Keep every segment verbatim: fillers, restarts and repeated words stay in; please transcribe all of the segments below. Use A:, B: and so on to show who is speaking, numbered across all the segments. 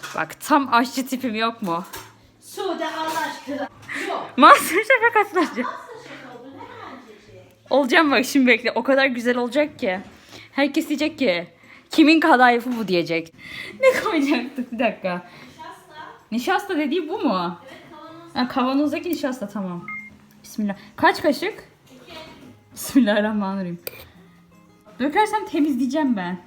A: Bak tam aşçı tipim yok mu?
B: Sude Allah aşkına. Yok.
A: Masterchef'e katılacağım.
B: Masterchef oldu. Hemen gelecek.
A: Olacağım bak şimdi bekle. O kadar güzel olacak ki. Herkes diyecek ki kimin kadayıfı bu diyecek. Ne koyacaktık bir dakika.
B: Nişasta.
A: Nişasta dediği bu mu?
B: Evet kavanoz.
A: Ha, kavanozdaki nişasta tamam. Bismillah. Kaç kaşık?
B: İki.
A: Bismillahirrahmanirrahim. Dökersem temizleyeceğim ben.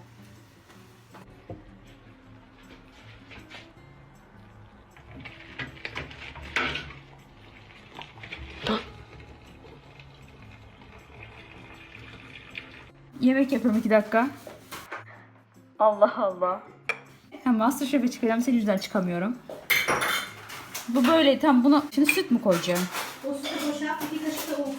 A: Yemek yapıyorum iki dakika. Allah Allah. Ha, Masterchef'e çıkacağım. Senin yüzünden çıkamıyorum. Bu böyle tam bunu... Şimdi süt mü koyacağım?
B: O sütü boşalt. İki kaşık da un koy.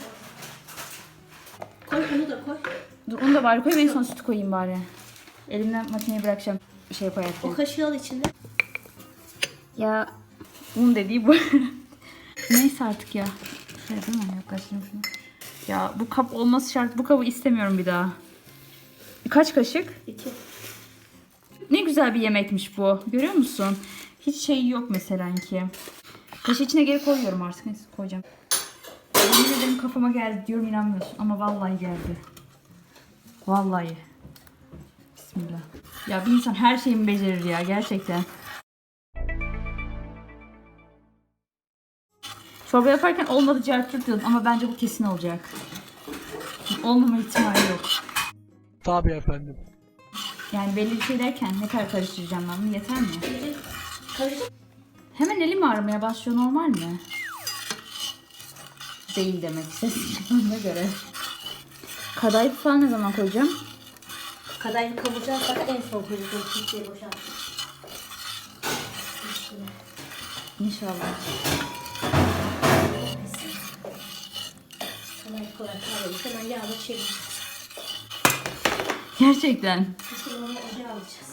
B: Koy onu da koy.
A: Dur onu da bari koy. Ben son sütü koyayım bari. Elimden makineyi bırakacağım. Şey yaparak.
B: O kaşığı al içinde.
A: Ya un dediği bu. Neyse artık ya. Şey değil mi? Yaklaştırayım şunu. Ya bu kap olması şart. Bu kabı istemiyorum bir daha. Kaç kaşık?
B: İki.
A: Ne güzel bir yemekmiş bu. Görüyor musun? Hiç şey yok mesela ki. Kaşığı içine geri koyuyorum artık. Neyse koyacağım. Yemin ederim kafama geldi diyorum inanmıyorsun. Ama vallahi geldi. Vallahi. Bismillah. Ya bir insan her şeyimi becerir ya gerçekten. Çorba yaparken olmadı cevap diyordum ama bence bu kesin olacak. Olmama ihtimali yok.
C: Tabii efendim.
A: Yani belli bir şey derken ne kadar karıştıracağım ben bunu yeter mi?
B: Karışık.
A: Hemen elim ağrımaya başlıyor normal mi? Değil demek istediğime göre. Kadayıf falan ne zaman koyacağım?
B: Kadayıf kavuracağız. Fakat en son koyacağız. Sütüye boşalt.
A: İnşallah.
B: Kadayıf kolay kavrulmuş. Hemen yağla çevir.
A: Gerçekten.
B: Şimdi onu ocağa alacağız.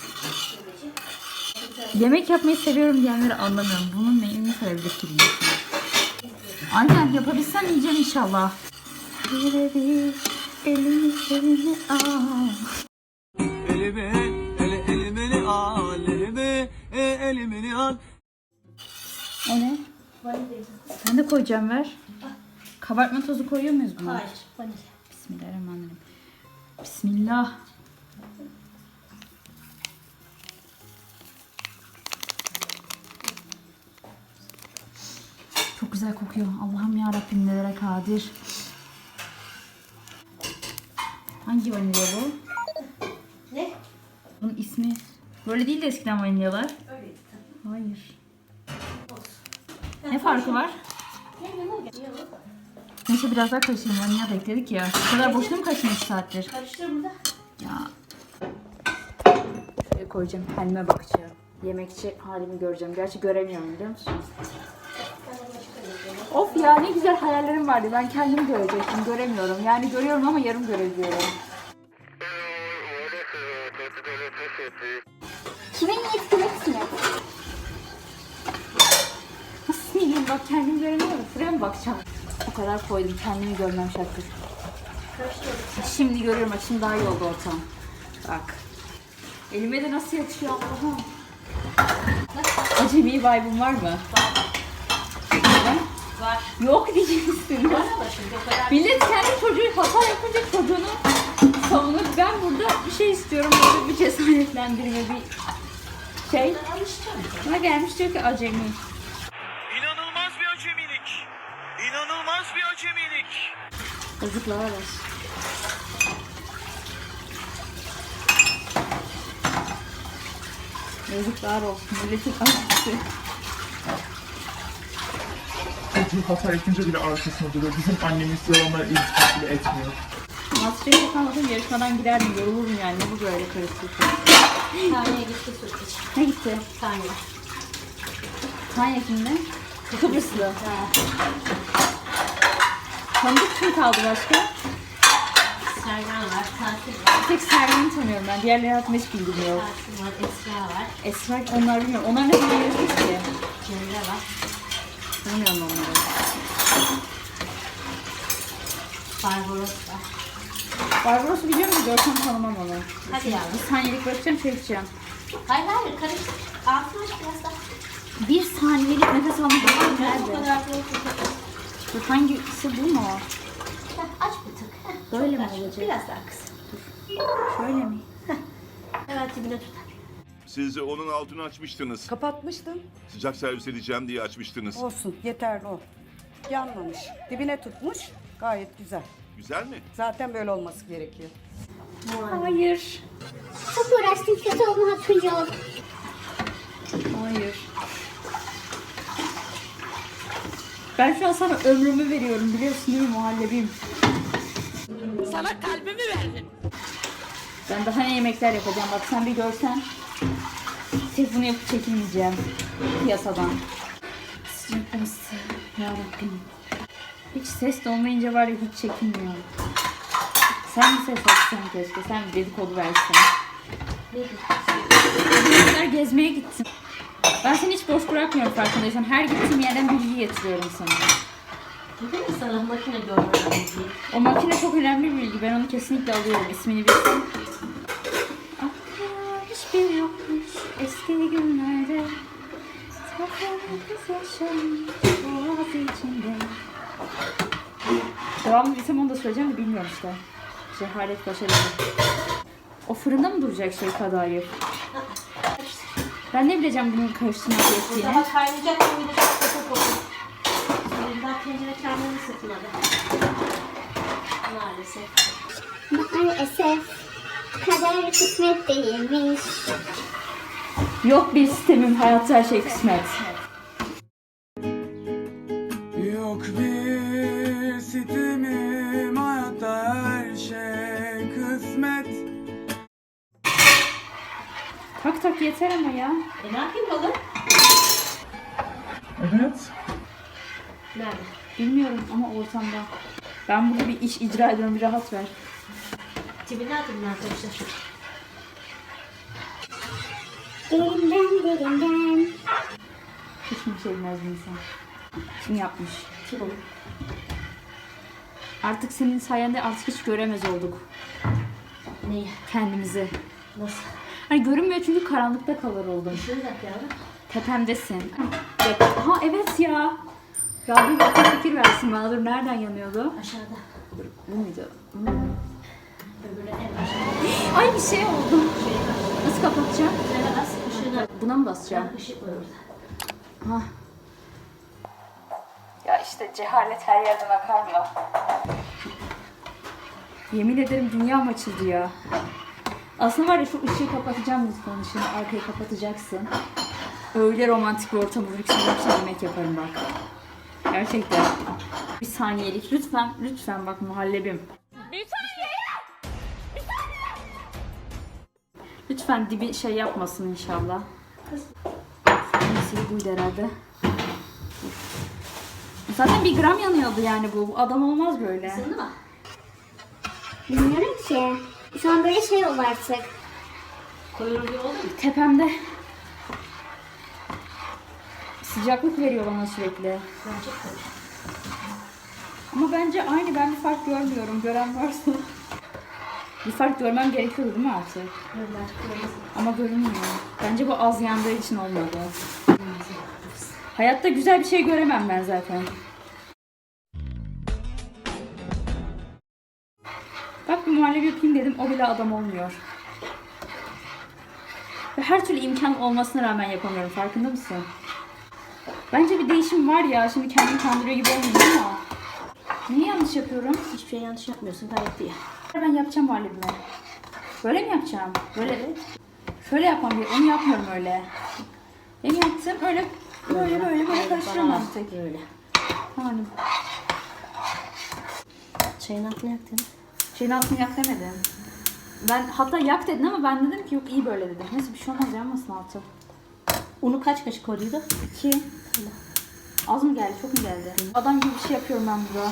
A: Yemek yapmayı seviyorum diyenleri anlamıyorum. Bunun neyini sevebilir ki bilmiyorum. Aynen yapabilsem yiyeceğim inşallah. Elimi elimi al.
C: Elimi, ele, elimini al, elimi, e, elimini al.
A: O ne?
B: Vanilya.
A: Ben de koyacağım ver. Kabartma tozu koyuyor muyuz buna?
B: Hayır. Vanilya.
A: Bismillahirrahmanirrahim. Bismillah. Çok güzel kokuyor. Allah'ım ya Rabbim nelere kadir. Hangi vanilya bu?
B: Ne?
A: Bunun ismi böyle değil de eskiden vanilyalar.
B: Öyleydi tabii.
A: Hayır.
B: Olsun.
A: Ne farkı var?
B: Ne ne ne? Yok.
A: Neyse biraz daha karıştırayım. Vanilya da ekledik ya. Bu kadar boşuna mı kaçtın iki saattir?
B: Karıştır burada.
A: Ya. Şuraya koyacağım. Kendime bakacağım. Yemekçi halimi göreceğim. Gerçi göremiyorum biliyor musun?
B: Ben onu çıkarıyorum.
A: Of ya ne güzel hayallerim vardı. Ben kendimi görecektim. Göremiyorum. Yani görüyorum ama yarım görebiliyorum. Kimin yetkilesin? Nasıl yiyeyim? Bak kendimi göremiyorum. Şuraya mı bakacağım? O kadar koydum. Kendimi görmem şartı.
B: Karıştır.
A: Şimdi görüyorum. Bak şimdi daha iyi oldu ortam. Bak. Elime de nasıl yatıyor Allah'ım. Acemi vibe'ım var mı? Var.
B: Var.
A: Yok diyeceksin.
B: Var ama şimdi o kadar.
A: Millet kendi çocuğu hata yapınca çocuğunu savunur. Ben burada bir şey istiyorum. Böyle bir cesaretlendirme bir şey.
B: Alışacağım.
A: Buna gelmiş diyor ki acemi.
C: İnanılmaz bir acemilik. İnanılmaz bir acemilik.
A: Yazıklar olsun. Yazıklar olsun. Milletin acısı.
D: Çocuğu hata yapınca bile arkasında duruyor. Bizim annemiz yalanlar iltifat bile etmiyor.
A: Masterchef yapamadım yarışmadan giderdim. Yorulurum yani. Ne bu böyle karışık.
B: Taneye gitti süt için.
A: Ne gitti?
B: Tane.
A: Tanya kimde? Kıbrıslı.
B: Ha.
A: Tanıdık kim kaldı başka?
B: Sergen var. Tatil var.
A: Bir tek Sergen'i tanıyorum ben. Diğerleri hakkında hiç bilgim yok.
B: Tatil var. Esra var.
A: Esra onlar bilmiyorum. Onlar ne zaman yarışmış ki?
B: Cemre var.
A: Bilmiyorum onları.
B: Barbaros var.
A: Barbaros'u biliyor musun? Görsem tanımam onu.
B: Hadi yavrum.
A: Bir saniyelik bırakacağım şey içeceğim.
B: Hayır hayır karıştır. Altını aç biraz daha.
A: Bir saniyelik nefes almak var
B: Bu
A: nerede?
B: kadar değil.
A: Dur, hangisi bu mu?
B: Heh, aç bir tık. Heh,
A: Böyle
B: çok
A: mi
B: aç.
A: olacak?
B: Biraz daha kısa.
A: Şöyle mi?
B: Evet dibine tutar.
E: Siz onun altını açmıştınız.
F: Kapatmıştım.
E: Sıcak servis edeceğim diye açmıştınız.
F: Olsun yeterli o. Yanmamış. Dibine tutmuş. Gayet güzel.
E: Güzel mi?
F: Zaten böyle olması gerekiyor.
A: Hayır.
G: Çok uğraştım, kötü olma hakkınca oldu.
A: Hayır. Ben şu an sana ömrümü veriyorum biliyorsun değil mi muhallebiyim? Sana kalbimi verdim. Ben daha ne yemekler yapacağım bak sen bir görsen. Sırf bunu yapıp çekilmeyeceğim piyasadan. Sıcaklısı yarabbim. Hiç ses de olmayınca var ya hiç çekinmiyorum. Sen mi ses açsan keşke, sen bir dedikodu versen. Ne kadar gezmeye gittim. Ben seni hiç boş bırakmıyorum farkındaysan. Her gittiğim yerden bilgi getiriyorum sana.
B: Dedim mi sana makine görmeden değil.
A: O makine çok önemli bir bilgi. Ben onu kesinlikle alıyorum. İsmini bilsem. Aklıma hiçbir yokmuş eski günlerde. Takılmış yaşamış boğaz içinde. Devamlı bilsem onu da söyleyeceğim de bilmiyorum işte. Cehalet başarılı. O fırında mı duracak şey kadayıf? Ben ne bileceğim bunun karıştırmak gerektiğini.
B: Daha kaynayacak mı bir de çok kötü olur. Benim daha tencere kendini ısıtmadı. Maalesef.
G: Maalesef kader kısmet değilmiş.
A: Yok bir sistemim, hayatta her şey kısmet.
C: Yok bir sitemim, hayatta her şey kısmet.
A: Tak tak yeter ama ya.
B: E ne yapayım oğlum?
D: Evet.
B: Nerede?
A: Bilmiyorum ama ortamda. Ben burada bir iş icra ediyorum, bir rahat ver.
B: Dibine atın arkadaşlar.
G: Derinden derinden.
A: Hiç mi bir şey bilmez bir insan. Kim yapmış?
B: Kim olur?
A: Artık senin sayende artık hiç göremez olduk
B: Neyi?
A: kendimizi.
B: Nasıl?
A: Hani görünmüyor çünkü karanlıkta kalır oldum.
B: Şunu yap yavrum.
A: Tepemdesin. Evet. Ha evet ya. Rabbim akıl fikir versin bana. Dur nereden yanıyordu?
B: Aşağıda.
A: Bu muydu? Hmm.
B: Öbürüne en aşağıda.
A: Ay bir şey oldu. Nasıl kapatacağım?
B: Şöyle bas. Işığına.
A: Buna mı basacağım?
B: Işık var orada.
A: Ha. Ya işte cehalet her yerden akar mı? Yemin ederim dünyam açıldı ya. Aslında var ya şu ışığı kapatacağım lütfen ışığını. Arkayı kapatacaksın. Öyle romantik bir ortam olur ki şimdi yemek yaparım bak. Gerçekten. Bir saniyelik lütfen lütfen bak muhallebim. Bir saniye! Bir saniye! Lütfen dibi şey yapmasın inşallah. Neyse buydu herhalde. Zaten bir gram yanıyordu yani bu. Bu adam olmaz böyle.
B: Isındı mı?
G: Bilmiyorum ki. Şu an böyle şey oldu artık.
B: Koyulur gibi oldu mu?
A: Tepemde sıcaklık veriyor bana sürekli.
B: Bence koy.
A: Ama bence aynı, ben bir fark görmüyorum. Gören varsa. Bir fark görmem gerekiyordu değil mi artık?
B: Görün artık koyulur.
A: Ama görünmüyor. Bence bu az yandığı için olmadı. Hayatta güzel bir şey göremem ben zaten. Bak bir muhallebi yapayım dedim, o bile adam olmuyor. Ve her türlü imkan olmasına rağmen yapamıyorum, farkında mısın? Bence bir değişim var ya, şimdi kendimi kandırıyor gibi olmuyor ama. Niye yanlış yapıyorum?
B: Hiçbir şey yanlış yapmıyorsun. Gayet iyi.
A: Ben yapacağım muhallebimi. Böyle mi yapacağım? Böyle. Şöyle yapmam gerekiyor. Onu yapmıyorum öyle. Benim yaptığım öyle böyle böyle böyle karıştırıyorum
B: Bana
A: artık.
B: Böyle.
A: Yani
B: Çayın altını yaktın.
A: şeyin altını yak demedim. Ben hatta yak dedin ama ben dedim ki yok iyi böyle dedim. Neyse bir şey olmaz, yanmasın altı.
B: Unu kaç kaşık koyduydu?
A: İki. Az mı geldi? Çok mu geldi? Adam gibi bir şey yapıyorum ben burada.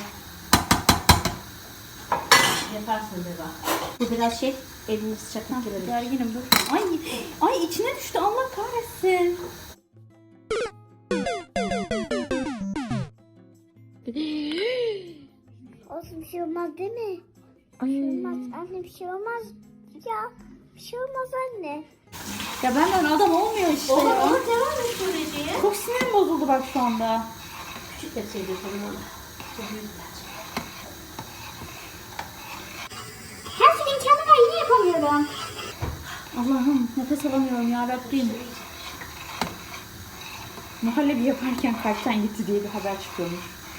B: Yaparsın be bak. Bu biraz şey, elini sıcaklık girebilir.
A: Gerginim dur. Ay, ay içine düştü, Allah kahretsin.
G: Olsun, bir şey olmaz değil mi?
A: Ay.
G: Olmaz anne, bir şey olmaz. Ya bir şey olmaz anne.
A: Ya benden adam olmuyor işte
B: Olur
A: ya.
B: olur devam et süreciye.
A: Çok sinirim bozuldu bak şu anda.
B: Küçük tepsiye dökelim onu. Çok büyük bence.
G: Her şeyin kendime yine yapamıyorum.
A: Allah'ım nefes alamıyorum ya Rabbim. Muhallebi yaparken kalpten gitti diye bir haber çıkıyormuş.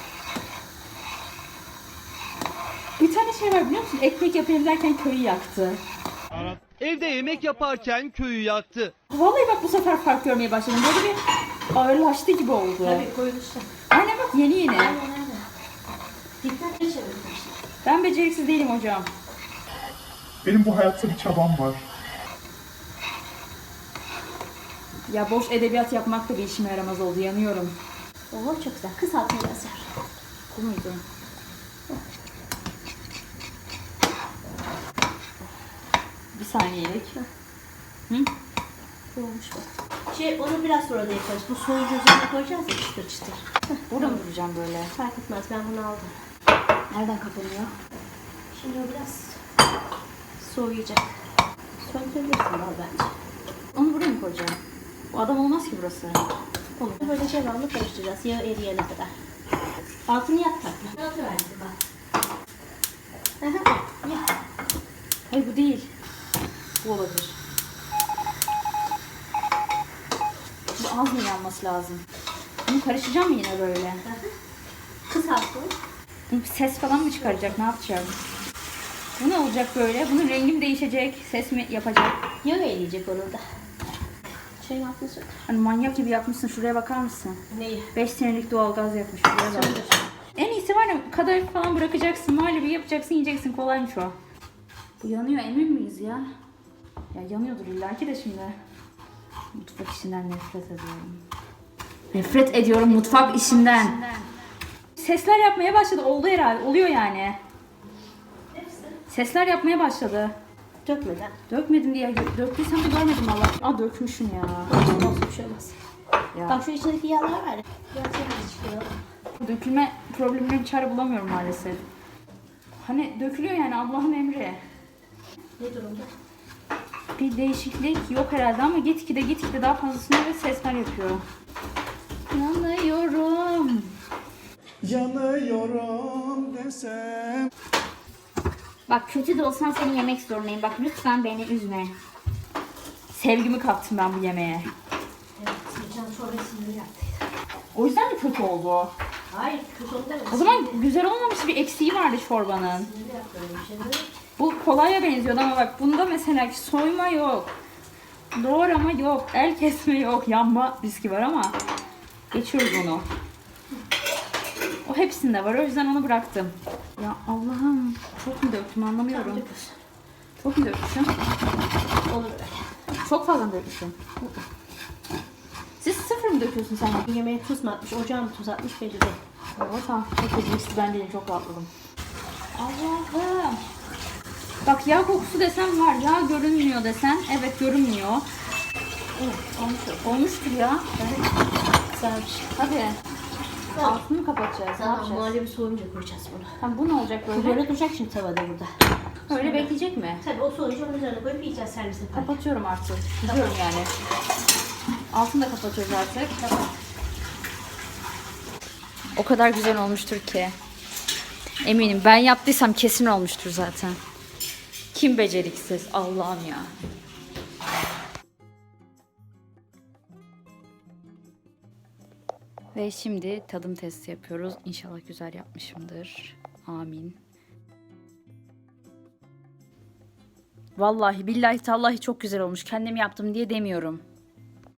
A: Bir tane şey var biliyor musun? Ekmek yapayım derken köyü yaktı.
H: Evde yemek yaparken köyü yaktı.
A: Vallahi bak bu sefer fark görmeye başladım. Böyle bir ağırlaştı gibi oldu.
B: Tabii koyuluşta.
A: Aynen bak yeni yeni.
B: Aynen öyle. Dikkat et çevirin.
A: Ben beceriksiz değilim hocam.
D: Benim bu hayatta bir çabam var.
A: Ya boş edebiyat yapmak da bir işime yaramaz oldu. Yanıyorum.
B: Oo çok güzel. Kısaltın biraz yer.
A: Bu muydu? Bir saniyelik. Hı?
B: Olmuş bak. Şey onu biraz sonra da yaparız. Bu soğuyunca üzerine koyacağız ya çıtır çıtır.
A: Burada mı duracağım böyle?
B: Fark etmez ben bunu aldım.
A: Nereden kapanıyor?
B: Şimdi o biraz soğuyacak. Söndürebilirsin al bence.
A: Onu buraya mı koyacağım? Bu adam olmaz ki burası.
B: Olur. Böyle devamlı karıştıracağız. Yağı eriyene kadar. Altını yak tatlı. Altı verdi bak. Aha, yak.
A: Hayır bu değil. Bu olabilir. Bu az mı yanması lazım? Bunu karıştıracağım mı yine böyle?
B: Kısaltın.
A: Bu ses falan mı çıkaracak? Ne yapacağım? Bu ne olacak böyle? Bunun rengi mi değişecek? Ses mi yapacak?
B: Yağı eriyecek onun da. Şeyin altını sök.
A: Hani manyak gibi yapmışsın. Şuraya bakar mısın?
B: Neyi?
A: beş senelik doğalgaz yapmış. Şuraya bak.
B: Söndür.
A: En iyisi var ya kadayıf falan bırakacaksın. Muhallebi yapacaksın yiyeceksin. Kolaymış o. Bu yanıyor emin miyiz ya? Ya yanıyordur illaki de şimdi. Mutfak işinden nefret ediyorum. Nefret ediyorum mutfak işinden. Sesler yapmaya başladı. Oldu herhalde. Oluyor yani. Sesler yapmaya başladı.
B: Dökmeden.
A: Dökmedim diye gö- döktüysem de görmedim valla. Aa dökmüşüm ya.
B: Olsun bir şey olmaz.
A: Ya.
B: Bak şu içindeki yağlar var ya. Biraz yağ çıkıyor.
A: Dökülme problemine çare bulamıyorum maalesef. Hani dökülüyor yani Allah'ın emri.
B: Ne durumda?
A: Bir değişiklik yok herhalde ama gitgide gitgide daha fazlasını ve sesler yapıyor. Yanıyorum.
C: Yanıyorum desem.
G: Bak kötü de olsan seni yemek zorundayım. Bak lütfen beni üzme.
A: Sevgimi kattım ben bu yemeğe.
B: Evet. Geçen çorbasını yaptıydı.
A: O yüzden mi kötü oldu?
B: Hayır kötü oldu demedim.
A: O zaman güzel olmamış bir eksiği vardı çorbanın.
B: Sinirli yaptı öyle bir şey değil mi?
A: Bu kolaya benziyordu ama bak bunda mesela soyma yok. Doğrama yok. El kesme yok. Yanma riski var ama geçiyoruz onu. O hepsinde var. O yüzden onu bıraktım. Ya Allah'ım. Çok mu döktüm anlamıyorum.
B: Dökülsün.
A: Çok mu dökmüşüm?
B: Olur öyle.
A: Çok fazla mı dökmüşüm? Siz sıfır mı döküyorsun sen?
B: Bir yemeğe tuz mu atmış, ocağa mı tuz atmış belli değil.
A: O tamam. Çok beceriksiz ben değilim. Çok rahatladım. Allah'ım. Bak yağ kokusu desem var. Yağ görünmüyor desen. Evet görünmüyor.
B: Evet, olmuş yok.
A: Olmuştur ya.
B: Güzelmiş.
A: Hadi. Altını mı kapatacağız? Ne
B: Tamam,
A: yapacağız?
B: muhallebi soğuyunca koyacağız bunu.
A: Tamam bu ne olacak
B: Bu
A: böyle?
B: böyle duracak şimdi tavada burada.
A: Öyle bekleyecek mi?
B: Tabii o soğuyunca onun üzerine koyup yiyeceğiz servis yaparken.
A: Kapatıyorum artık. Gidiyorum yani. Altını da kapatıyoruz artık. O kadar güzel olmuştur ki. Eminim ben yaptıysam kesin olmuştur zaten. Kim beceriksiz? Allah'ım ya. Ve şimdi tadım testi yapıyoruz. İnşallah güzel yapmışımdır. Amin. Vallahi billahi tallahi çok güzel olmuş. Kendim yaptım diye demiyorum.